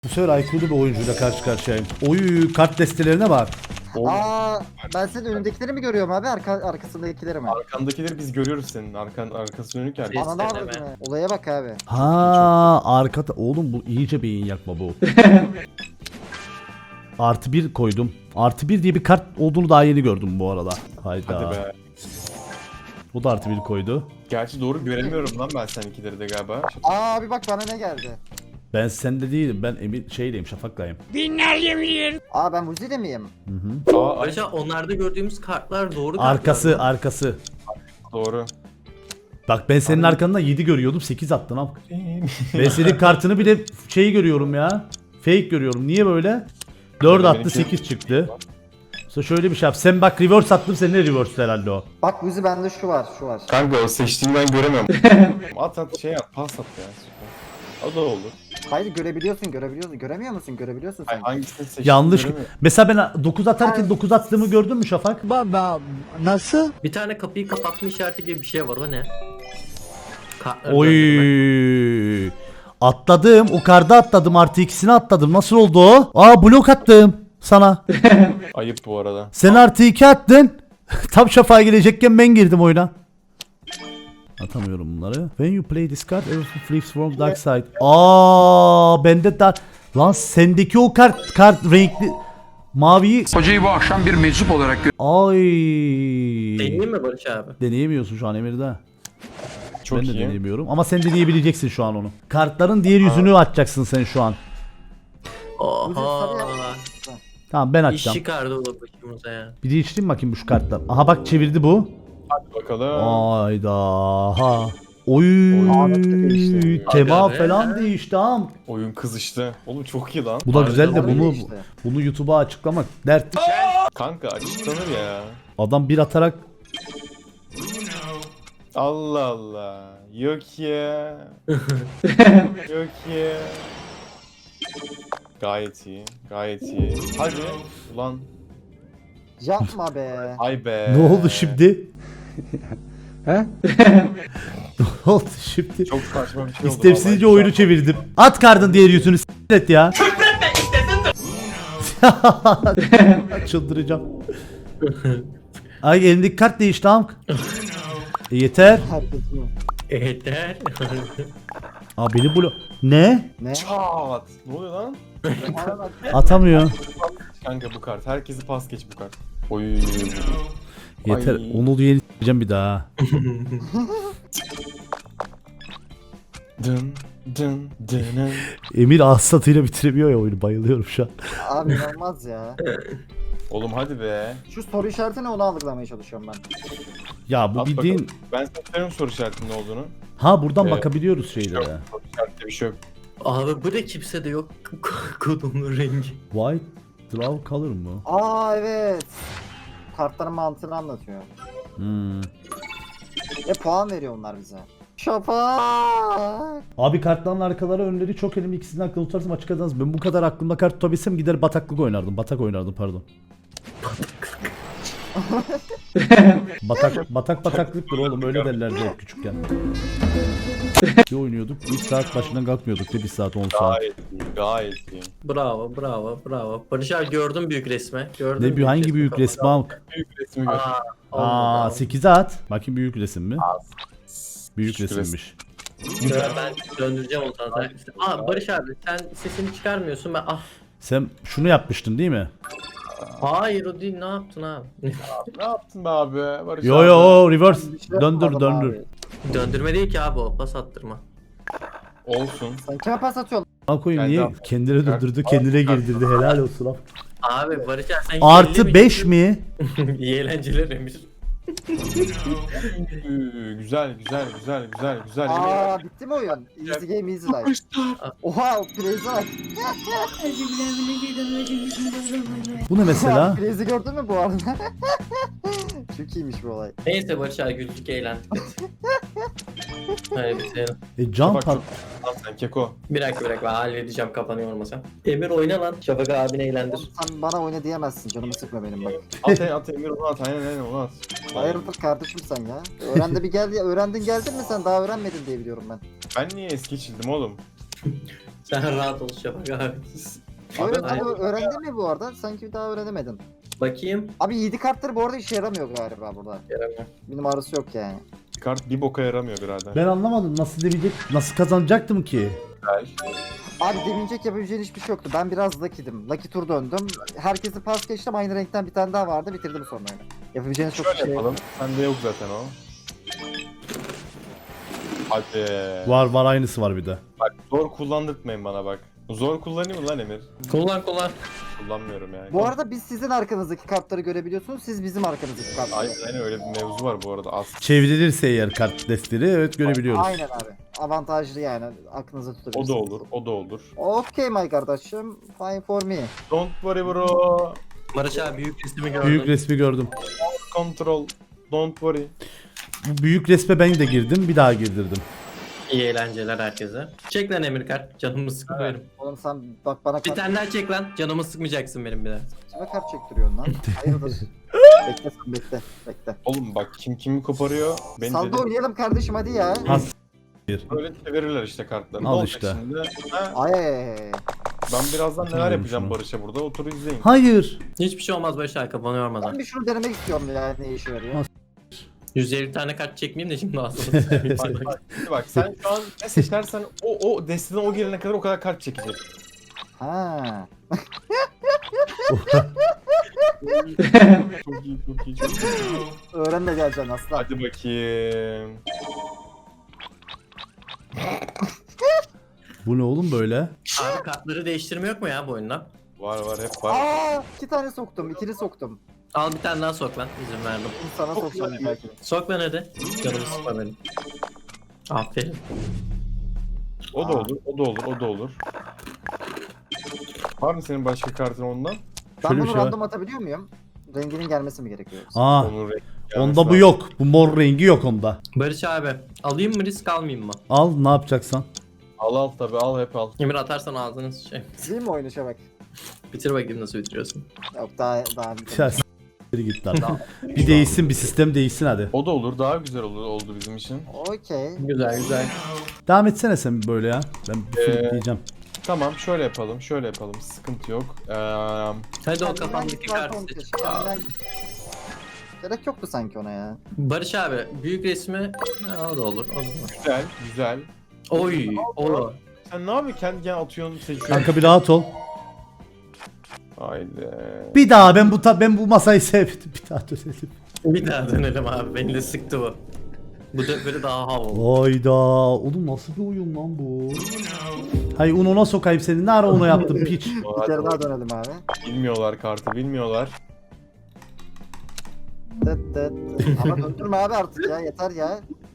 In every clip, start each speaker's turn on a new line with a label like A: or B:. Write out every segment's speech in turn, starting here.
A: Bu sefer IQ'lu bir oyuncuyla karşı karşıyayım. Oy, kart destelerine bak.
B: Aa, ben senin önündekileri mi görüyorum abi, arkasındakileri mi?
C: Arkandakileri biz görüyoruz senin. Arkası dönük ya.
B: Bana ne
D: Deneme.
B: yapıyorsun? Olaya bak abi.
A: Ha, arkada. Oğlum bu iyice beyin yakma bu. Artı bir koydum. Artı bir diye bir kart olduğunu daha yeni gördüm bu arada. Hayda.
C: Hadi be.
A: O da artı bir koydu.
C: Gerçi doğru göremiyorum lan ben seninkileri de galiba.
B: Aa abi bak bana ne geldi.
A: Ben sende değilim. Ben Emir şeydeyim, Şafak'layım.
B: Aa ben Vuzi'de miyim?
C: Aa, ay,
D: Ayrıca onlarda gördüğümüz kartlar doğru
A: Arkası,
D: kartlar mı?
A: arkası.
C: doğru.
A: Bak ben senin arkanda 7 görüyordum, 8 attın am. Ben senin kartını bile şeyi görüyorum ya. Fake görüyorum. Niye böyle? 4 attı, 8 çıktı. Sonra şöyle bir şey yap. Sen bak reverse attım, senin de reverse herhalde o.
B: Bak Vuzi bende şu var, şu var.
C: Kanka o seçtiğini ben göremiyorum. at şey at, pas at ya. Süper. O da olur.
B: Hayır görebiliyorsun, görebiliyorsun. Göremiyor musun? Görebiliyorsun
C: Ay,
B: sen.
C: hangisini seçtiğini
A: Yanlış.
C: göremiyorum.
A: Mesela ben 9 atarken 9 attığımı gördün mü Şafak?
D: Bir tane kapıyı kapatma işareti gibi bir şey var, o ne? Kartları döndürme.
A: Oy. Atladım. O karda atladım. Artı ikisini atladım. Nasıl oldu o? Aa, blok attım sana.
C: Ayıp bu arada.
A: Sen artı 2 attın. Tam Şafak'a gelecekken ben girdim oyuna. Atamıyorum bunları. When you play this card, everything flips from dark side. Aa, bende de lan sendeki o kart renkli maviyi.
E: Hocayı bu akşam bir meczup olarak
A: Ay.
D: Deneyeyim mi Barış abi?
A: Deneyemiyorsun şu an Emir'de.
C: Çok
A: Ben de
C: iyi.
A: deneyemiyorum ama sen deneyebileceksin şu an onu. Kartların diğer yüzünü açacaksın sen şu an.
D: Oha.
A: Tamam, ben
D: İş
A: açacağım.
D: çıkardı o da başımıza ya.
A: Bir değiştireyim bakayım bu şu kartlar. Aha bak, çevirdi bu.
C: Hadi bakalım.
A: Ayda. Ha. Oy.
B: değişti.
A: Tema
D: Aga be.
A: falan değişti ha.
C: Oyun kızıştı. Oğlum çok iyi lan.
A: Bu da güzel de
B: Harbiden
A: bunu
B: değişti.
A: bunu YouTube'a açıklamak dert.
C: Kanka açıklanır ya.
A: Adam bir atarak
C: Allah Allah. Yok ya. Yok ya. Gayet iyi. Gayet iyi. Hadi. Ulan.
B: Yapma be.
C: Ay be.
A: ne oldu şimdi? He? Ne oldu şimdi?
C: Çok saçma bir şey oldu.
A: İstemsizce
C: vallahi.
A: oyunu çevirdim. At kardın diğer yüzünü s**t ya. Çıldıracağım. Ay, elindeki kart değişti amk. Yeter.
B: Herkesin.
D: Yeter.
A: Aa, beni blo... Ne?
B: Ne?
C: Çat. Ne oluyor lan?
B: Bana bak.
A: Atamıyor.
C: Kanka bu kart. Herkesi pas geç bu kart. Oy.
A: Yeter.
C: Ay.
A: Onu da yeni s**eceğim bir daha.
C: Dın dın dın.
A: Emir ağız tadıyla bitiremiyor ya oyunu. Bayılıyorum şu an.
B: Abi inanılmaz ya.
C: Oğlum hadi be.
B: Şu soru işareti ne, onu algılamaya çalışıyorum ben.
A: Ya bu
C: At
A: bildiğin...
C: bakalım. Ben sana söyleyeyim soru işaretinin ne olduğunu.
A: Ha, buradan
C: Evet.
A: bakabiliyoruz
C: Yok.
A: şeylere.
C: Soru işaretinde bir şey yok.
D: Abi bu da kimse de yok. Kodumun rengi.
A: White draw color mı?
B: Aa evet. Kartların mantığını anlatıyor.
A: Hmm.
B: Puan veriyor onlar bize. Şafak.
A: Abi kartların arkaları önleri çok elimde, ikisinden aklımda tutarsam açık adamız. Ben bu kadar aklımda kart tutabilsem gider bataklık oynardım. Batak oynardım, pardon. Bataklıktır oğlum, öyle derlerdi hep küçükken. Bir oynuyorduk, 1 saat başından kalkmıyorduk de 1 saat 10 saat.
C: Gayet iyi. Gayet iyi.
D: Bravo, bravo, bravo. Barış abi gördün büyük resmi. Gördün
A: Ne büyük, hangi büyük resmi amk?
C: Büyük resmi gör.
A: Aa, 8'e at. Bakayım büyük resim mi? Büyük
C: Küçük
A: resimmiş.
D: Ben döndüreceğim onu sana. Aa Barış abi sen sesini çıkarmıyorsun, ben
A: Sen şunu yapmıştın değil mi?
D: Hayır o değil, ne yaptın abi?
C: Ne yaptın be abi? Barış
A: Yo
C: abi.
A: yo, reverse.
B: Bir şey
A: Döndür
B: yapmadım
A: döndür.
B: abi.
D: Döndürme değil ki abi, o pas attırma.
C: Olsun.
B: Sen kime pas atıyorsun?
A: Al koyayım,
C: Kendi
A: niye
C: al.
A: kendine döndürdü, kendine girdirdi, helal olsun abi.
D: Abi Barış abi sen
A: Artı 5 mi?
D: İyi eğlenceler Emir.
C: Güzel güzel güzel güzel güzel.
B: Aa bitti mi oyun? Easy game easy life. Oha o Blaze'e bak.
A: Bu ne mesela?
B: Blaze'i gördün mü bu arada? Çok iyiymiş bu olay.
D: Neyse Barış abi güldük, eğlendik. Hadi bitirelim.
A: Can
C: Bak,
A: par...
C: Lan sen keko.
D: Bir dakika ben halledeceğim, kapanıyor olmasa. Emir oyna lan, Şafak abini eğlendir.
B: Sen bana oyna diyemezsin, canımı sıkma benim bak.
C: At Emir onu at. Aynen onu at.
B: Hayırdır kardeşim sen ya? Öğrendin geldin mi sen? Daha öğrenmedin diye biliyorum ben.
C: Ben niye es geçildim oğlum?
D: Sen rahat ol Şafak abi.
B: Şöyle
C: Abi,
B: abi öğrendin mi bu arada? Sanki bir daha öğrenemedin.
D: Bakayım.
B: Abi 7 kartları bu arada işe yaramıyor galiba burada.
D: Yaramıyor.
B: Bir numarası yok yani.
C: Kart bir boka yaramıyor birader.
A: Ben anlamadım nasıl devirecek, nasıl kazanacaktım ki?
C: Güzel.
B: Abi devinecek yapabileceğin hiçbir şey yoktu. Ben biraz Lucky'dim. Lucky tur döndüm. Herkesi pas geçtim. Aynı renkten bir tane daha vardı. Bitirdim sonra öyle. Yapabileceğiniz çok bir
C: Şöyle
B: şey yok.
C: yapalım. Sende yok zaten o. Hadi.
A: Var aynısı var bir de.
C: Bak zor kullandırtmayın bana bak. Zor kullanayım mı lan Emir?
D: Kullan.
C: Kullanmıyorum yani.
B: Bu arada biz sizin arkanızdaki kartları görebiliyorsunuz. Siz bizim arkanızdaki kartları.
C: Aynen öyle bir mevzu var bu arada.
A: Çevrilirse eğer kart destleri evet görebiliyoruz.
B: Aynen abi. Avantajlı yani. Aklınızda
C: O
B: tutabilirsiniz.
C: da olur, o da olur.
B: Okay my kardeşim. Fine for me.
C: Don't worry bro.
D: Barış abi büyük resmi gördüm.
A: Büyük resmi gördüm.
C: Control. Don't worry.
A: Bu büyük resme ben de girdim, bir daha girdirdim.
D: İyi eğlenceler herkese. Çek lan Emir kart. Canımı sıkma benim.
B: Oğlum sen bak bana
D: Bir
B: kart,
D: tane daha çek lan. Canımı sıkmayacaksın benim bir daha.
B: kime kart çektiriyorsun lan? Hayırdır? Bekle sen bekle. Bekle.
C: Oğlum bak kim kimi koparıyor. Beni
B: Salda
C: dedi.
B: oynayalım kardeşim hadi ya.
A: Has
C: Böyle çevirirler işte kartları. Ne
A: Al
C: olacak
A: işte.
C: şimdi? Ha,
B: Ay.
C: ben birazdan neler
A: Hatırlıyorum
C: yapacağım
A: şunu.
C: Barış'a burada. Otur izleyin.
A: Hayır.
D: Hiçbir şey olmaz Barış abi kafanı yormadan.
B: Ben bir şunu denemek istiyorum ya ne işe yarıyor.
D: 150 tane kart çekmeyeyim de şimdi aslında.
C: Şimdi bak sen şu an ne seçersen o desteden o gelene kadar o kadar kart çekecek.
B: Ha.
C: Çok iyi, çok iyi, çok iyi.
B: Öğren de geleceksin aslan.
C: Hadi bakayım.
A: Bu ne oğlum böyle?
D: Abi kartları değiştirme yok mu ya bu oyunda?
C: Var hep var.
B: Aa, 2 tane soktum, ikili soktum.
D: Al bir tane daha sok lan. İzin verdim.
B: Şimdi sana
C: Çok
B: sokacağım
C: güzel.
B: belki.
D: Sok lan hadi. Canımı sıkma benim. Aferin.
C: O da olur, o da olur, o da olur. Var mı senin başka kartın ondan?
B: Ben
A: Şöyle bir
B: bunu
A: şey var.
B: random atabiliyor muyum? Renginin gelmesi mi gerekiyor?
A: Aa,
C: Onun rengi
A: onda
C: gelmesi
A: bu yok. Bu mor rengi yok onda.
D: Barış abi alayım mı risk almayayım mı?
A: Al ne yapacaksan.
C: Al tabi al hep al.
D: Emir atarsan ağzını şey.
B: Değil mi oyunu Şabak?
D: Bitir bakayım nasıl bitiriyorsun.
B: Yok daha
A: Ya s**leri git lan. Bir değişsin, bir sistem değişsin hadi.
C: O da olur, daha güzel olur oldu bizim için.
B: Okey.
D: Güzel.
A: Devam etsene sen böyle ya. Ben bir diyeceğim.
C: Tamam şöyle yapalım, şöyle yapalım. Sıkıntı yok.
D: Hadi o
B: Kendinden
D: kafandaki
B: git var
D: kartı
B: Tom
D: seç.
B: keşke, kendinden git. Gerek yoktu sanki ona ya.
D: Barış abi büyük resmi ha, o da olur. O da olur.
C: Güzel, güzel.
D: Oy. O.
C: Sen ne yapıyorsun? Kendi kendine atıyorsun, seçiyorsun.
A: Kanka bir rahat ol.
C: Haydi.
A: Bir daha ben bu masayı sevdim. Bir daha dönelim.
D: Bir daha dönelim abi. Beni de sıktı bu. Bu da böyle daha havalı.
A: Hayda. Oğlum nasıl bir oyun lan bu? Hay ununa sokayım seni. Ne ara ona yaptın piç.
B: Bir kere daha dönelim abi.
C: Bilmiyorlar kartı, bilmiyorlar.
B: Tıt tıt. Ama döndürme abi artık ya yeter ya.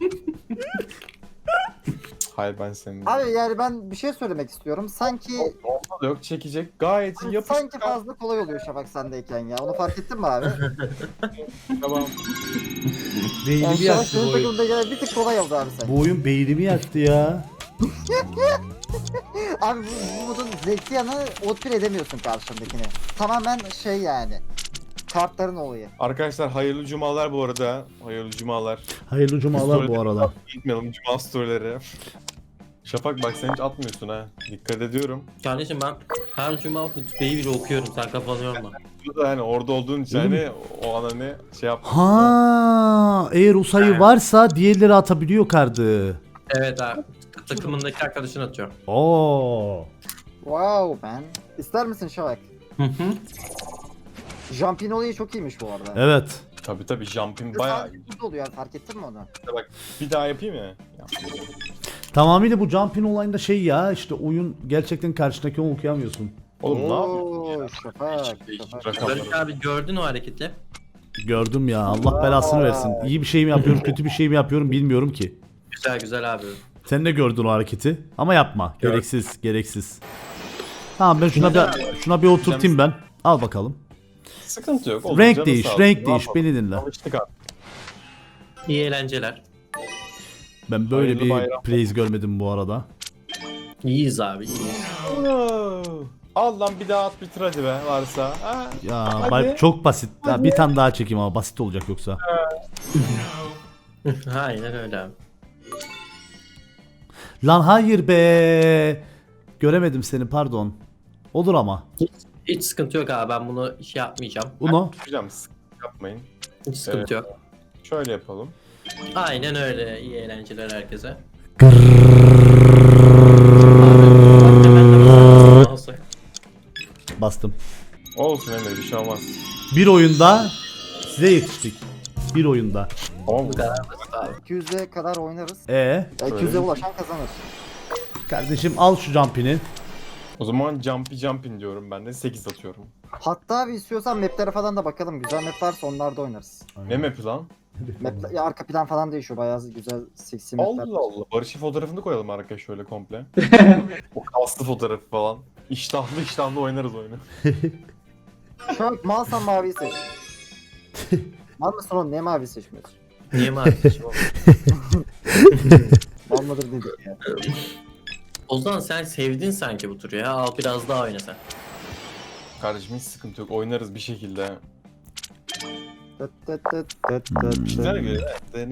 C: Hayır ben senin.
B: Abi yani ben bir şey söylemek istiyorum. Sanki
C: Onda da yok, çekecek. Gayet iyi yapıştı.
B: sanki fazla kolay oluyor Şafak sendeyken ya. Onu fark ettin mi abi?
C: Tamam.
A: Beynimi
B: Yani Şafak
A: yaktı
B: senin
A: bu oyun.
B: takımda gelen bir tık kolay oldu abi sen.
A: Bu oyun beynimi yaktı ya.
B: Abi bu modun zevkli yanı outplay edemiyorsun karşındakini. Tamamen şey yani. Kartların olayı.
C: Arkadaşlar hayırlı cumalar bu arada. Hayırlı cumalar.
A: Hayırlı cumalar bu arada.
C: Gitmeyelim cuma storyleri. Şafak bak sen hiç atmıyorsun ha. Dikkat ediyorum.
D: Kardeşim ben her cuma hutbeyi bile okuyorum. Sen kafanı yorma.
C: Bu da hani orada olduğun için hani o an hani şey yap.
A: Ha, eğer o sayı varsa diğerleri atabiliyor kartı.
D: Evet abi. Takımındaki arkadaşın atıyor.
A: Oo.
B: Wow man. İster misin Şafak?
D: Hı hı.
B: Jumping olayı çok iyiymiş bu arada.
A: Evet.
C: Tabi jumping bayağı
B: Sadece burada oluyor fark ettin mi onu?
C: bak bir daha yapayım mı?
A: Tamamıyla bu jumping olayında şey ya işte oyun gerçekten karşındaki onu okuyamıyorsun.
C: Oğlum ne yapıyorsun?
B: Oo, Şafak. Şafak.
C: Rakamları.
D: Barış abi gördün o hareketi.
A: Gördüm ya Allah belasını versin. İyi bir şey mi yapıyorum kötü bir şey mi yapıyorum bilmiyorum ki.
D: Güzel abi.
A: Sen de gördün o hareketi ama yapma.
D: Gördüm.
A: Gereksiz. Tamam ben şuna bir oturtayım ben. Al bakalım.
C: Sıkıntı yok. Oğlum,
A: Renk
C: canı
A: değiş,
C: sağ olsun.
A: renk
C: Ne
A: değiş
C: yapalım?
A: beni dinle.
C: Alıştık abi.
D: İyi eğlenceler.
A: Ben böyle
C: Hayırlı
A: bir
C: bayram.
A: praise görmedim bu arada.
D: İyiyiz abi iyiyiz.
C: Al lan bir daha at bitir hadi be varsa. Ha.
A: Ya
C: Hadi.
A: çok basit. Ya, bir tane daha çekeyim ama basit olacak yoksa.
D: Aynen öyle abi.
A: Lan hayır be. Göremedim seni, pardon. Olur ama.
D: Hiç sıkıntı yok abi, ben bunu şey yapmayacağım.
A: Uno.
C: Hocam sıkıntı yapmayın.
D: Hiç sıkıntı yok.
C: Şöyle yapalım.
D: Aynen öyle. İyi eğlenceler herkese.
A: Bastım.
C: Olsun Emre, bir şey olmaz.
A: Bir oyunda size yetiştik. Bir oyunda.
C: Tamam mı?
B: 200'e kadar oynarız.
A: Ya
B: 200'e ulaşan kazanır.
A: kardeşim al şu jumpini.
C: O zaman jumping diyorum ben de 8 atıyorum.
B: Hatta abi istiyorsan maplere falan da bakalım. Güzel map varsa onlarda oynarız.
C: Ne map'i lan?
B: Mapler, ya arka plan falan değişiyor. Bayağı güzel seksi mapler.
C: Allah Allah. Barış'ın fotoğrafını koyalım arkaya şöyle komple. O kaslı fotoğrafı falan. İştahlı oynarız oyunu.
B: Şu an malsan maviyi seç. Mal mısın oğlum? Niye maviyi seçmiyorsun?
D: Niye mi abi?
B: Mal mıdır dedik ya.
D: Ozan sen sevdin sanki bu turu ya. Al biraz daha oyna sen.
C: Kardeşim hiç sıkıntı yok. Oynarız bir şekilde.
B: Tıt tıt tıt tıt tıt
C: Güzel
B: tıt.
C: göre.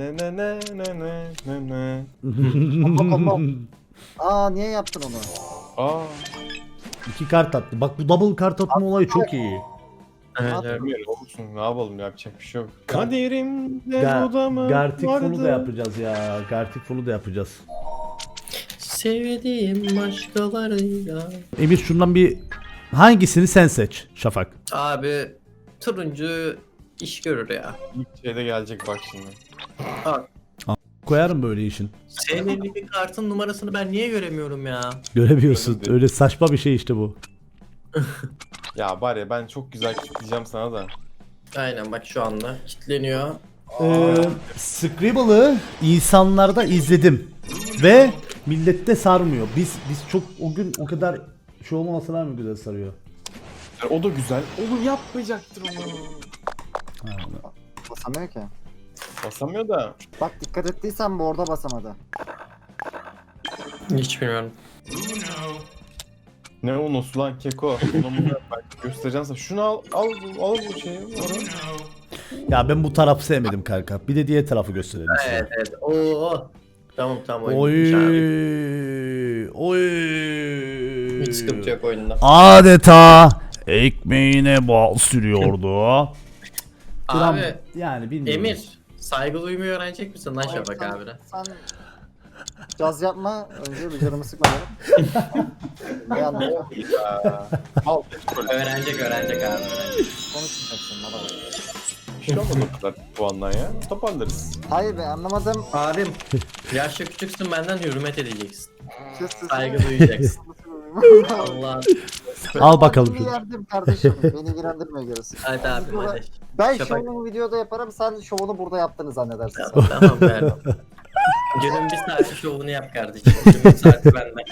C: Ne.
B: Aa niye yaptın onu?
C: Aa.
A: 2 kart attı. Bak bu double kart atma olayı çok iyi.
D: Evet, evet.
C: Bilmiyorum olsun. Ne yapalım, yapacak bir şey yok. Kaderimde
A: Ga-
C: o da mı
A: Gartic
C: vardı?
A: Full'u da yapacağız ya. Gartic Full'u da yapacağız.
D: Sevdiğim başkalarıyla.
A: Emir şundan bir hangisini sen seç Şafak.
D: Abi turuncu iş görür ya.
C: İlk şeyde gelecek bak şimdi.
A: Koyarım böyle işin.
D: Senin bir kartın numarasını ben niye göremiyorum ya?
A: Göremiyorsun. Öyle saçma bir şey işte bu.
C: Ya bari ben çok güzel kilitleyeceğim sana da.
D: Aynen bak şu anda kilitleniyor.
A: Scribble'ı insanlarda izledim. Ve millette sarmıyor. Biz çok o gün o kadar şey olmamasına mı güzel sarıyor?
C: Yani o da güzel. Oğlum yapmayacaktır onu.
B: Basamıyor ki.
C: Basamıyor da.
B: Bak dikkat ettiysen bu orada basamadı.
D: Hiç bilmiyorum.
C: Ne o nosu lan keko. Bunu ben göstereceğim sana. Şunu al bu şeyi. Oraya.
A: Ya ben bu tarafı sevmedim kanka. Bir de diğer tarafı gösterelim size.
D: Evet evet. Oo. Tamam tamam
A: Oy.
D: oyun.
A: Oy.
D: Hiç sıkıntı yok oyunda.
A: Adeta ekmeğine bal sürüyordu.
D: Abi
A: Yani bilmiyorum.
D: Emir saygı duymayı öğrenecek misin lan Şafak abine?
B: Sen caz yapma. Önce bir canımı sıkma benim. Ne anlatacağım?
C: Al. Böyle
D: Öğrenecek abi öğrenecek.
B: Konuşmayacaksın bana bak.
C: bir şey olmadı o kadar puandan ya. Toparlarız.
B: Hayır be anlamadım.
D: Abim yaşça küçüksün benden hürmet edeceksin.
B: Sus, sus.
D: Saygı duyacaksın. Allah.
A: Al bakalım
B: Bir
A: şunu.
B: yerdim kardeşim. Beni ilgilendirmiyor gerisi.
D: Hadi abim hadi.
B: Ben
D: Şafak.
B: şovunu videoda yaparım. Sen şovunu burada yaptığını zannedersin.
D: Tamam tamam verdim. Günün bir saati şovunu yap kardeşim. Günün bir saati benden.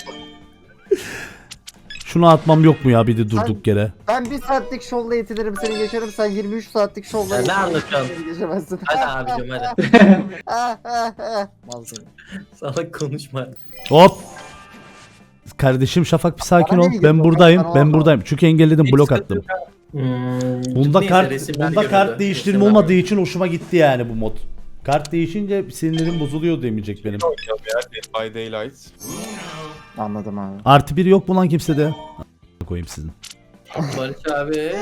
A: Şunu atmam yok mu ya bir de durduk yere?
B: Ben bir saatlik şovla yetinirim seni geçerim. Sen 23 saatlik şovla
D: Ya ne
B: yetinirim,
D: anlatıyorsun?
B: seni geçemezsin.
D: Hadi abicim hadi.
B: Mal seni.
D: Salak konuşma.
A: Hop. Kardeşim Şafak bir sakin
B: Bana
A: ol.
B: ne
A: Ben
B: gidiyor?
A: buradayım.
B: Bana
A: Ben
B: olma.
A: buradayım. Çünkü engelledim,
D: Hiç
A: blok
D: sıkıntı
A: attım.
D: Bunda
A: Bunda kart değiştirme olmadığı için hoşuma gitti yani bu mod. Kart değişince sinirlerim bozuluyor demeyecek benim.
C: Oynayalım ya. Dead by Daylight.
B: Anladım abi.
A: Artı 1 yok mu lan kimsede? Koyayım sizin.
D: Barış abi.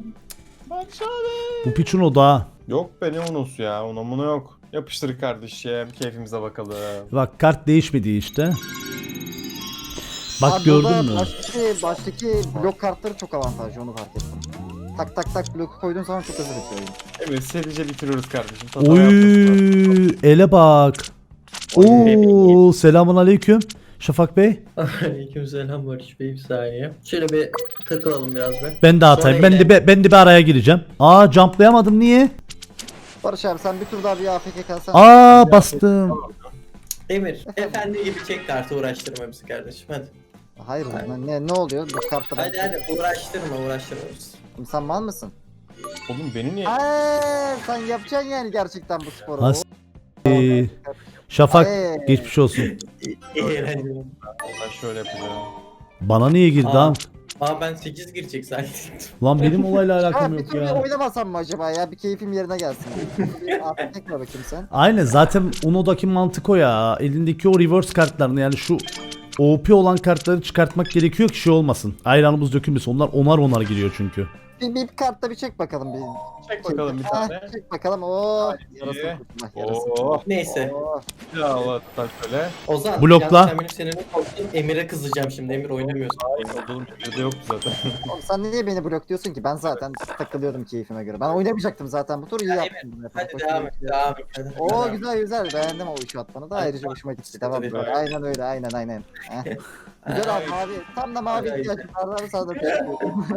A: Bu piçin o da.
C: Yok be ne unosu ya. Ona yok. Yapıştır kardeşim. Keyfimize bakalım.
A: Bak kart değişmedi işte. Bak
B: Abi burada
A: gördün mü?
B: Baştaki blok kartları çok avantajlı onu fark ettim. Tak tak tak bloku koyduğun zaman çok hızlı bitiyor oyun.
C: Evet serice bitiriyoruz kardeşim. Hata yapmasınlar.
A: Oy, ele bak. Oo, selamun aleyküm. Şafak Bey.
D: Aleykümselam Barış Bey bir saniye. Şöyle bir takılalım biraz be.
A: Ben de atayım.
D: Sonra
A: Ben de bir araya gireceğim. Aa, jumplayamadım niye?
B: Barış abi sen bir tur daha bir AFK kalsan.
A: Aa, bastım.
D: Emir efendi gibi çek kartı uğraştırma bizi kardeşim hadi.
B: Hayır ne oluyor bu kartta?
D: Hadi hadi uğraştırma bizi.
B: Sen mal mısın?
C: Oğlum beni niye?
B: Sen yapacaksın yani gerçekten bu sporu.
A: As- Şafak
B: Ay.
A: geçmiş olsun.
D: Eğlenceli.
C: Ben şöyle yapacağım.
A: Bana niye girdi
D: Aa.
A: ha?
D: Aa ben 8 girecek sanki.
A: Lan benim olayla alakam
B: Bir
A: yok
B: tur bir
A: ya.
B: oynamasam mı acaba ya? Bir keyfim yerine gelsin. Bir AFK bakayım sen.
A: Aynen zaten Uno'daki mantık o ya. Elindeki o reverse kartlarını yani şu OP olan kartları çıkartmak gerekiyor ki şey olmasın. Ayranımız dökülmesin. Onlar onar giriyor çünkü.
B: Bir kartta bir çek bakalım bir.
C: Çek bakalım bir
B: Ha,
C: tane.
B: çek bakalım. Oo.
C: iyi.
B: Yarasın kurtulma. Yarasın.
C: Oo.
D: Neyse.
B: Oo.
C: Ya Allah tutar şöyle.
D: Ozan.
A: Blokla.
D: yalnız sen benim seninle korktun. Emir'e kızacağım şimdi. Emir oynamıyorsun.
C: Hayır oğlum bir de yoktu zaten.
B: Oğlum sen niye beni blokluyorsun ki? Ben zaten takılıyordum keyfime göre. Ben oynamayacaktım zaten. Bu tur iyi
D: Ya
B: yaptım.
D: Hadi devam et. Devam et. Hadi.
B: Oo güzel güzel. Beğendim o işi atmanı da. Ayrıca hoşuma gitti. Tamam.
D: Hadi.
B: Böyle. Aynen öyle. Aynen. Heh. Güzel abi mavi. Tam da mavi
D: Ay.
B: ihtiyacım var. Sana da bekliyorum.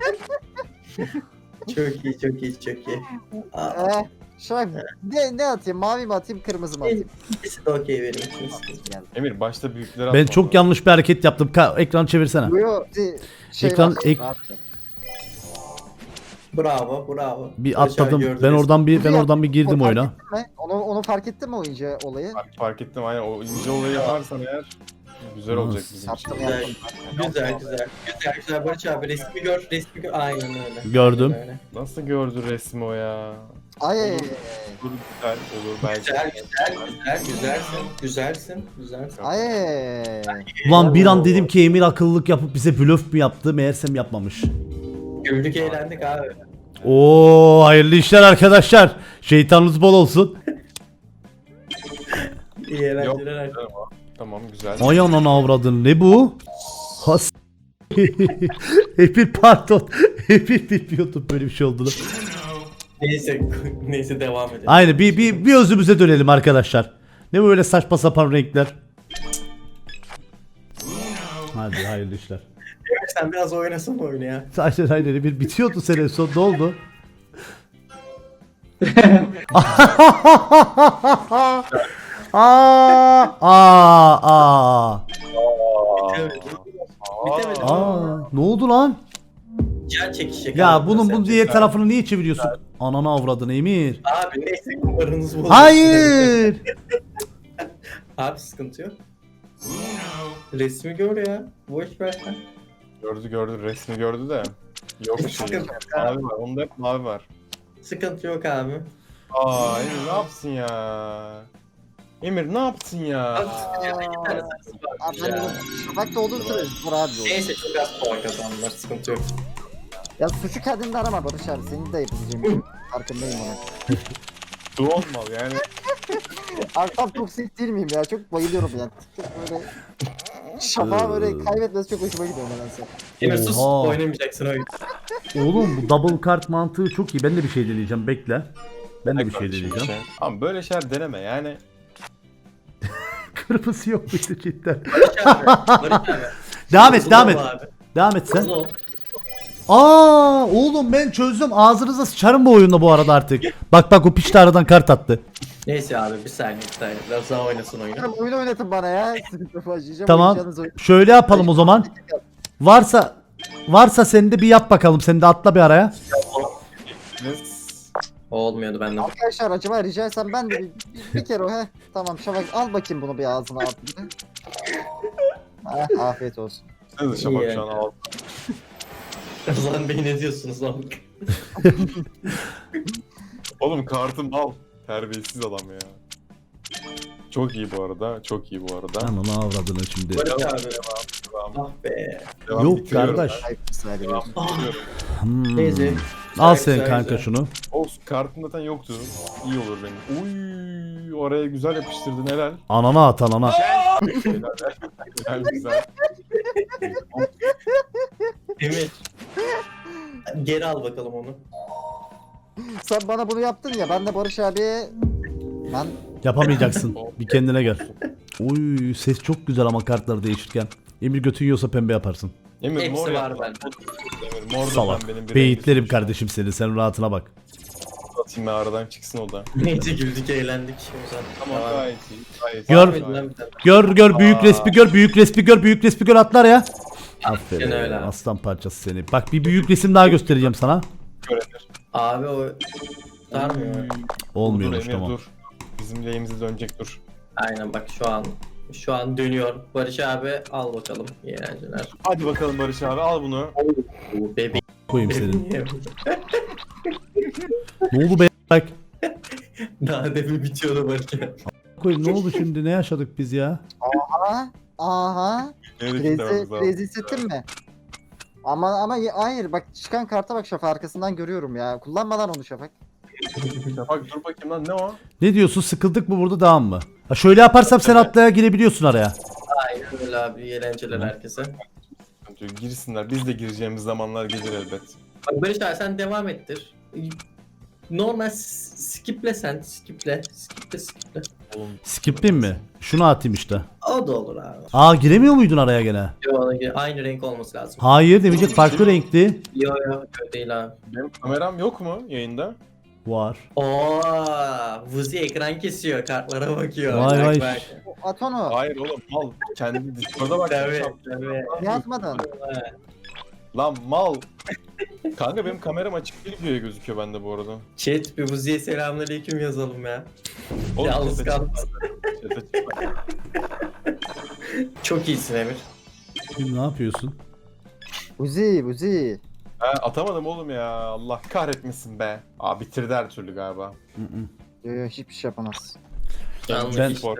D: Çok iyi, çok iyi, çok iyi. Aa,
B: Şöyle ne atayım? Mavi mi atayım? Kırmızı mı atayım?
D: ikisi de okey benim için.
B: Geldi.
C: Emir başta büyükleri
A: Ben
C: atma.
A: çok yanlış bir hareket yaptım. Ekran çevirsene.
B: Yo, şey
A: Ekran-
B: var,
A: ek-
B: rahat.
D: Bravo.
A: Bir
D: Barış abi
A: atladım.
D: gördünüz.
A: Ben oradan bir girdim
B: Fark
A: oyuna.
B: ettin mi? Onu fark ettin mi o ince olayı?
C: Fark ettim aynen o ince olayı yaparsan eğer güzel olacak bizim için.
B: Yaptım
D: Güzel. Güzel. Barış abi resmi gör. Aynen öyle.
A: Gördüm.
D: Aynen öyle.
C: Nasıl gördü resmi o ya?
B: Ay.
C: Olur güzel olur belki.
D: Güzelsin.
B: Ay.
A: Ulan bir an dedim ki Emir akıllılık yapıp bize blöf mü yaptı? Meğersem yapmamış.
D: Güldük eğlendik abi.
A: Oo, hayırlı işler arkadaşlar. Şeytanınız bol olsun.
D: İyi eğlenceler arkadaşlar.
C: Tamam güzel.
A: Ay ananı avradın. Ne bu? Has. Emir pardon. Emir bilmiyordum böyle bir şey olduğunu.
D: Neyse devam edelim.
A: Aynen bir özümüze dönelim arkadaşlar. Ne böyle saçma sapan renkler. Hadi hayırlı işler.
D: Sen biraz oynasın oyunu ya.
A: Aynen bir bitiyordu sene son ne oldu?
D: Bitemedi.
A: Ne oldu lan?
D: Can çekişecek.
A: Ya
D: abi,
A: bunun
D: nasıl
A: diğer
D: yapacak
A: tarafını niye çeviriyorsun? Ananı avradını Emir.
D: Abi neyse kumarınız bozuldu.
A: Hayır.
D: Abi sıkıntı yok. Resmi gör ya. Boş ver sen.
C: Gördü resmi gördü de. Yok şey.
D: Sıkıntı yok
C: Mavi var. Onda hep mavi var.
D: Sıkıntı yok abi.
C: Aa Emir ne yapsın ya? Emir ne yaptın ya?
D: Abi bir tane sarısı
B: Abi
D: var
B: ben
D: ya.
B: dedim, şafak da olduğu sürece vur abi olur.
D: Neyse çok az puan kazandılar. Sıkıntı yok.
B: Ya suçu kendinde arama Barış abi. Senin de yapabileceğin bir şey. Farkındayım ona.
C: Du olmalı yani.
B: Arkam toksik değil miyim ya? Çok bayılıyorum yani. Çok böyle şafağı böyle kaybetmesi çok hoşuma gidiyor nedense.
D: Emir sus
A: Oha.
D: oynamayacaksın oyun.
A: Oğlum bu double kart mantığı çok iyi. Ben de bir şey deneyeceğim. Bekle. Ben de bir şey deneyeceğim.
C: Ama böyle şeyler deneme yani.
A: Kırmızı yok muydu cidden?
D: Barış abi.
A: Devam et,
D: Hızlı
A: devam
D: ol
A: et.
D: abi.
A: Devam et sen.
D: Hızlı ol.
A: Oğlum ben çözdüm. Ağzınıza sıçarım bu oyunda bu arada artık. Bak o piç de aradan kart attı.
D: Neyse abi bir saniye. Biraz daha oynasın oyunu.
B: Canım oyunu oynatın bana ya. Sıkıntı başlayacağım.
A: Tamam.
B: oynayacağınız oyun.
A: Şöyle yapalım o zaman. Varsa sen de bir yap bakalım. Sen de atla bir araya.
D: O olmuyordu benden.
B: Arkadaşlar acaba rica etsem ben de bir kere o he. Tamam şafak al bakayım bunu bir ağzına at. Afiyet olsun.
C: Sen de şamak şu an al.
D: Lan bey ne diyorsunuz lan?
C: Oğlum kartım al. Terbiyesiz adam ya. Çok iyi bu arada. Çok iyi bu arada.
A: Ananı avradını şimdi.
D: Barış abi.
C: Devam.
D: Ah be.
C: Devam
A: Yok
C: bitiriyorum
A: kardeş.
B: Ayıp ısrar
C: ben.
B: ediyorum.
C: Devam bitiriyorum.
D: Neyse.
A: Al
D: Güzel,
A: sen kanka
D: güzel.
A: şunu.
C: Olsun kartım zaten yoktu. İyi olur benim. Uy, oraya güzel yapıştırdın helal.
A: Anana at anana.
C: Helal güzel.
D: Emir. Geri al bakalım onu.
B: Sen bana bunu yaptın ya ben de Barış abi ben
A: Yapamayacaksın. Bir kendine gel. Oy ses çok güzel ama kartları değişirken. Emir götün yiyorsa pembe yaparsın.
C: Emir
D: Hepsi
C: mor
D: var
C: yap.
D: bende.
C: Emir mor da
A: Salak.
C: ben benim bir
A: Beyitlerim
C: rengi
A: kardeşim seni. Sen rahatına bak.
C: atayım ben aradan çıksın o da.
D: Neyse güldük eğlendik. O zaman.
C: Tamam
D: Devam.
C: gayet iyi. Gayet
A: Gör.
C: iyi, gayet iyi.
A: Gör büyük resmi gör büyük resmi gör atlar ya. Aferin
D: Aynen öyle.
A: aslan parçası seni. Bak bir büyük resim daha göstereceğim sana.
C: Göredir.
D: Abi o sarmıyor.
A: Olmuyormuş
C: Emir,
A: tamam.
C: Dur. Bizim lehimize dönecek dur.
D: Aynen bak şu an dönüyor. Barış abi al bakalım. İyi eğlenceler.
C: Hadi bakalım Barış abi al bunu.
D: Bebeğim.
A: Koyayım senin. Ne oldu be bak.
D: Daha demin bitiyordu Barış abi.
A: Koyayım ne oldu şimdi ne yaşadık biz ya?
B: Aa, Aha.
C: Nereye
B: Crazy,
C: gitmemiz lazım?
B: crazy hissettin mi? Ama hayır bak çıkan karta bak Şafak arkasından görüyorum ya. Kullanma lan onu Şafak.
C: Bak dur bakayım lan ne o?
A: Ne diyorsun, sıkıldık mı burada, devam mı? Ha şöyle yaparsam sen atlaya girebiliyorsun araya.
D: Aynen öyle abi. İyi eğlenceler herkese.
C: Girsinler. Biz de gireceğimiz zamanlar gelir elbet.
D: Bak Barış abi sen devam ettir. Normal skiple sen. Skiple.
C: Oğlum
A: Skip'in mi? Şunu atayım işte.
D: O da olur abi.
A: Aa, giremiyor muydun araya gene?
D: Aynı renk olması lazım.
A: Hayır demeyecek, farklı renkli.
D: Yo öyle değil abi.
C: benim kameram yok mu yayında?
A: Var.
D: Oo, Vuzi ekran kesiyor, kartlara bakıyor.
A: Vay
D: Bak,
A: vay.
D: bak.
B: At onu.
C: Hayır oğlum mal. Kendi Discord'a bak.
D: Tabii, tabii.
B: Ne atmadın?
C: Lan mal. Kanka benim kameram açık değil diye gözüküyor bende bu arada.
D: Chat bir Vuzi'ye selamünaleyküm yazalım ya.
C: Oğlum,
D: Yalnız
C: chat'e
D: kalma.
C: çıkma. Chat'e çıkma.
D: Çok iyisin Emir.
A: Ne yapıyorsun?
B: Uzi.
C: Ha, atamadım oğlum ya. Allah kahretmesin be. Aa bitirdi her türlü galiba.
A: Hı hı.
B: Yo, hiçbir şey yapamaz.
D: Yanlış
A: Ben-
D: işte.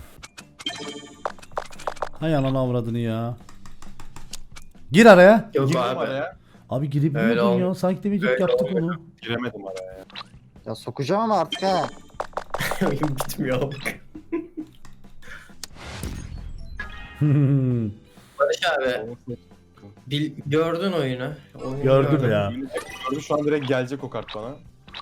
A: Hay ananı avradını ya. Gir araya.
D: Yok
C: Girdim
D: abi.
C: araya.
A: Abi
D: Öyle
A: girebiliyordun ya.
D: olmuyor.
A: Sanki demeyecek
D: Öyle
A: yaptık
D: olmuyor.
A: onu.
C: Giremedim araya.
B: Ya sokacağım ama artık ha.
D: Oyun bitmiyor bak. Barış abi gördün oyunu. Oyunu
A: Gördüm
D: gördün.
A: ya.
C: Şu an direkt gelecek o kart bana.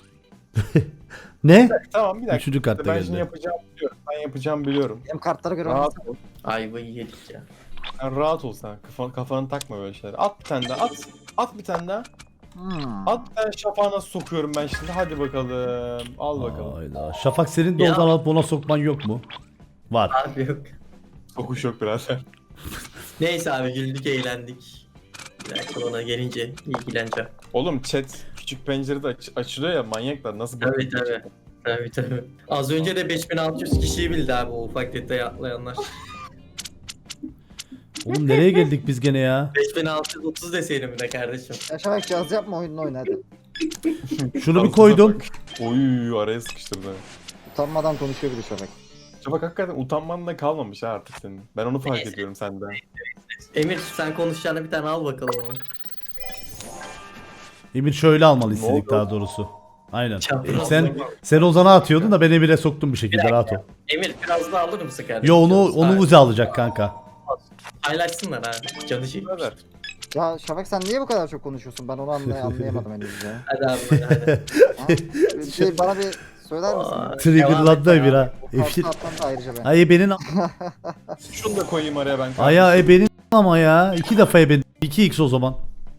A: Ne?
C: Tamam bir dakika.
A: Üçüncü kartta
C: Ben şimdi
A: geldi.
C: yapacağım biliyorum. Ben yapacağım biliyorum.
B: Benim kartlara göre
C: Rahat
B: oynasana.
C: ol.
D: Ayvayı yedik ya.
C: Sen rahat ol sen. Kafanı takma böyle şeyler. At bir tane daha. At bir tane daha. At bir tane şafağı nasıl sokuyorum ben şimdi. Hadi bakalım. Al bakalım.
A: Hayda. Şafak senin de
D: Ya.
A: oradan alıp ona sokman yok mu? Var.
D: Abi yok.
C: Sokuş yok birader.
D: Neyse abi güldük eğlendik. Bir dakika ona gelince ilgileneceğim.
C: Oğlum chat küçük pencerede açılıyor ya manyaklar. Nasıl
D: Tabii
C: bakıyor
D: tabii.
C: chat'e?
D: Tabii. Az önce de 5600 kişiyi bildi abi o ufak detayı atlayanlar.
A: Oğlum nereye geldik biz gene ya?
D: 5630 deseydim bir de kardeşim.
B: Ya Şafak caz yapma oyununu oyna hadi.
A: Şunu bir koydum.
C: Oy araya sıkıştırdı.
B: Utanmadan konuşuyor bir de Şafak.
C: Bak hakikaten utanman da kalmamış ha artık senin. Ben onu fark
D: Neyse.
C: ediyorum sende.
D: Emir sen konuşacağına bir tane al bakalım onu.
A: Emir şöyle almalı
C: Ne
A: istedik
C: oldu?
A: daha doğrusu. Aynen.
D: Çapraz
A: Sen Ozan'a atıyordun da ben Emir'e soktum bir şekilde, rahat ol.
D: Emir biraz daha alır mısın kardeşim?
A: Yo onu
D: Hayır.
A: Uzi alacak kanka.
D: Paylaşsınlar abi. Canı çekmiş.
C: Birader.
B: Ya Şafak sen niye bu kadar çok konuşuyorsun? Ben onu anlayamadım henüz ya.
D: Hadi abi hadi.
B: Ha? Bir şey bana bir söyler misin?
D: Aa,
A: Triggerlandı
D: devam et
A: Emir
D: ya.
A: ha.
B: O kartı atmam da ayrıca ben.
A: Ay ebenin
C: Şunu da koyayım araya ben.
A: aya ebenin ama ya. 2 defa eben. 2x o zaman.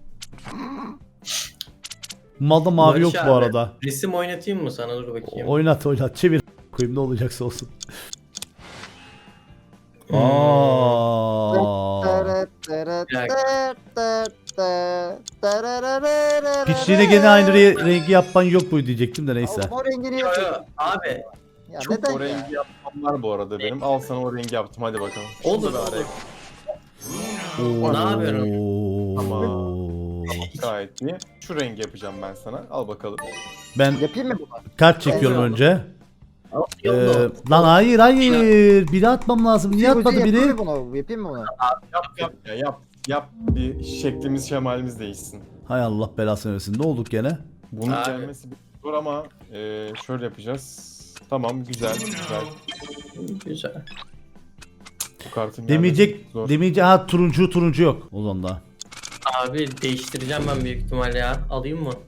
A: Malda mavi
D: Barış
A: yok bu
D: abi,
A: arada.
D: Resim oynatayım mı sana dur bakayım.
A: Oynat çevir koyayım, ne olacaksa olsun.
D: Hmm.
A: Aa. Piçliğine gene aynı rengi yapman yok mu diyecektim de neyse.
B: Oğlum o rengini
D: Yo, yo,
B: yapıyor.
D: abi
B: Ya
C: Çok
B: neden
C: o
B: ya?
C: rengi yapmam var bu arada benim. Al sana o rengi yaptım hadi bakalım. Şunu
D: olur
C: da araya
D: olur. Ne yapıyorum?
C: gayet iyi. Şu rengi yapacağım ben sana. Al bakalım.
A: Ben
B: Yapayım mı bunu?
A: kart çekiyorum
D: Oldu.
A: önce.
D: Yolda.
A: Lan hayır. Biri atmam lazım. Niye atmadı
B: Yapayım
A: biri?
B: mı bunu? Yapayım mı bunu?
C: Yap bir şeklimiz şemalimiz değişsin.
A: Hay Allah belasını versin. Ne olduk gene?
C: Bunun
D: Abi.
C: gelmesi bir zor ama şöyle yapacağız. Tamam güzel.
D: Güzel.
C: Bu kartın
A: Demeyecek
C: gelmesi zor.
A: ha, turuncu yok o zaman da.
D: Abi değiştireceğim ben büyük ihtimal ya. Alayım mı?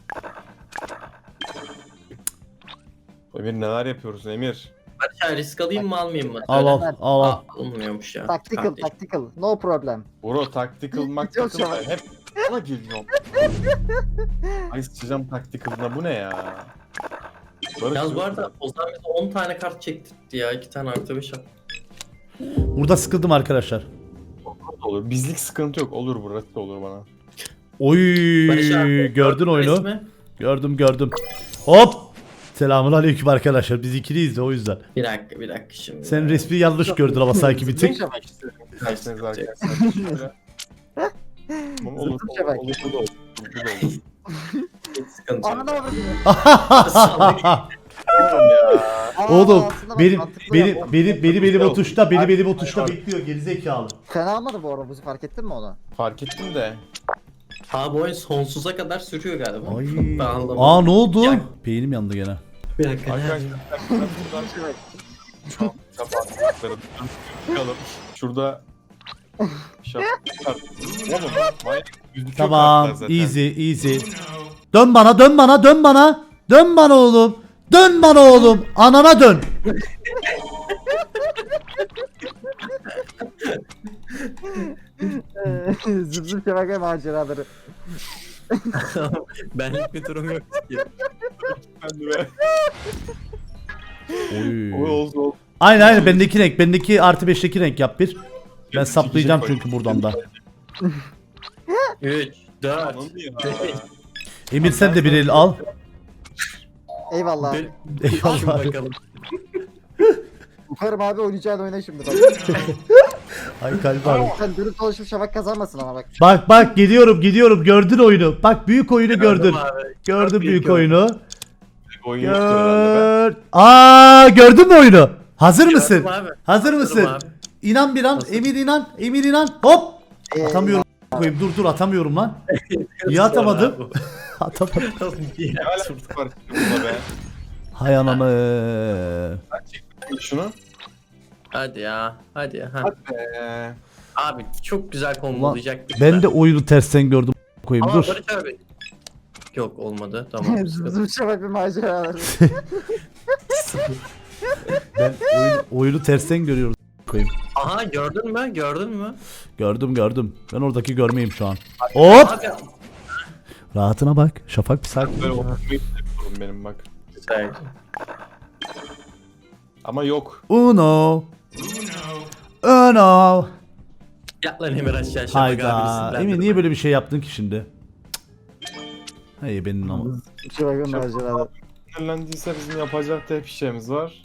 C: Emir neler yapıyoruz Emir?
D: Hadi risk alayım mı almayayım mı?
A: Al
D: Söyle.
A: al.
D: Aa, alınmıyormuş ya.
B: Tactical. No problem.
C: Bro tactical
B: Çok
C: maktical
B: şahane.
C: hep sana geliyorum. Ay sıçacağım tactical'ına bu ne ya? Barış,
D: Yalnız bu
C: yok
D: arada
C: mu?
D: Ozan bize 10 tane kart çektirdi ya. 2 tane artı 5 at.
A: Burada sıkıldım arkadaşlar.
C: Olur. Bizlik sıkıntı yok. Olur burası da olur bana.
A: Oy
D: Barış abi,
A: gördün oyunu.
D: resmi.
A: Gördüm. Hop. Selamun aleyküm arkadaşlar. Biz ikiliyiz de o yüzden.
D: Bir dakika şimdi.
A: Sen resmi yanlış gördün ama sanki bir tık.
C: Kaçtınız arkadaşlar. Şöyle. Tamam, olur.
B: Zıttım şebek.
C: Olur. Bu da olur. Bu da olur.
D: Hiç sıkıntı yok.
B: Ananı avradını.
C: Oğlum ya.
A: Oğlum
B: aslında bak,
A: benim
B: mantıklı
A: benim
B: ya.
A: benim o tuşta benim
C: Hayır,
A: o tuşta
C: hayır.
A: bekliyor gerizekalı.
B: Fena olmadı bu arada Buzi, fark ettin mi onu?
C: Fark ettim de.
D: Ha bu oyun sonsuza kadar sürüyor galiba.
A: Ay.
D: Ben anlamadım.
A: Aa ne oldu?
D: Ya-
A: Beynim yandı gene.
D: Bir dakika.
C: Arkadaşlar buradan şafak çıkalım. Şurada şafak. Oğlum manyak gözüküyor
A: Tamam,
C: kartlar zaten.
A: easy. Dön bana, dön bana, dön bana. Dön bana oğlum. Dön bana oğlum. Anana dön.
B: Zıp zıp şebeke maceraları.
D: Benlik bir durum yok ki.
C: Ben de be.
A: Oy.
C: Oldu.
A: Aynen bendeki artı 5'teki renk yap bir. Ben
C: Yok,
A: saplayacağım
C: çekecek
A: çünkü buradan da.
D: 3, 4,
C: Anladın ya.
D: 5.
A: Emir sen de bir el al.
B: Eyvallah abi.
A: Eyvallah.
D: bakalım.
B: Umarım abi oynayacağın oyna şimdi bak.
A: Ay kalp abi.
B: Sen dürüst dolaşıp şafak kazanmasın ama bak.
A: Bak gidiyorum gördün oyunu. Bak büyük oyunu gördün.
D: Abi.
A: Gördün büyük
D: gördüm.
A: oyunu.
C: Oyun yoktur herhalde
A: Gördün mü oyunu? Hazır mısın?
D: Gördüm abi.
A: Hazır
D: Hazırım
A: mısın?
D: abi.
A: İnan bir an,
D: Hazır.
A: Emir inan. Hop!
B: Ee,
A: Atamıyorum. Koyayım dur atamıyorum lan. Niye atamadım?
D: Abi.
A: Atamadım.
C: ben. Ne alakası var bununla be?
A: Hay ananı.
C: Şunu.
D: Hadi ya. Hadi ya. Ha.
C: Hadi be.
D: Abi çok güzel
A: Ulan,
D: kombolayacaktık.
A: ben de oyunu tersten gördüm. Koyayım
D: Ama
A: dur.
D: Barış abi. Yok olmadı. Tamam.
B: Zıp zıp şebeke maceraları.
A: Ben oyunu tersten görüyorum. Koyayım.
D: Aha gördün mü? Gördün mü?
A: Gördüm. Ben oradaki görmeyeyim şu an. Hop!
D: Abi.
A: Rahatına bak. Şafak bir sakin.
C: Böyle oturmayı seviyorum benim bak.
D: Güzel.
C: Ama yok.
A: Uno.
D: Yat lan Emir aşağı. Şafak
A: Hayda.
D: abi sinirlendirme.
A: Emir niye böyle bir şey yaptın ki şimdi? Hey benim ama.
B: Şebeke maceraları.
C: Sinirlendiyse bizim yapacak tek bir şeyimiz var.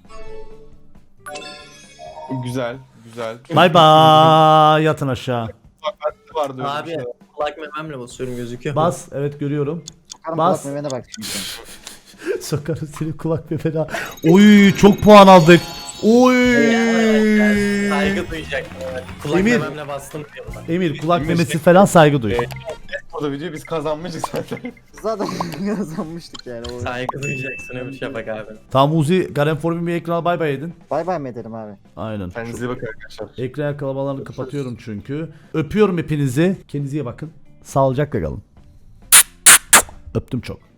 C: Güzel.
A: Bye bye. Yatın aşağı.
C: Vardı öyle
D: Abi
C: bir şey.
D: kulak mememle basıyorum gözüküyor.
A: Bas. Evet görüyorum.
B: Sokarım
A: Bas.
B: kulak memene bak şimdi.
A: Sokarım seni kulak ve fena. Oy çok puan aldık. Oy.
D: Saygı duyacak. Kulak
A: Emir.
D: mememle bastım diyorlar.
A: Emir kulak memesi falan saygı duy.
C: Burada videoyu biz kazanmışız zaten.
B: Zaten kazanmıştık yani. O.
D: Saygı duyacaksın Emir Şafak abi.
A: Tamam Uzi Garen Form'un bir ekrana bay bay edin.
B: Bay bay mı edelim abi?
A: Aynen.
C: Kendinize iyi bakın arkadaşlar.
A: Ekran kalabalarını kapatıyorum çünkü. Öpüyorum hepinizi. Kendinize iyi bakın. Sağlıcakla kalın. Öptüm çok.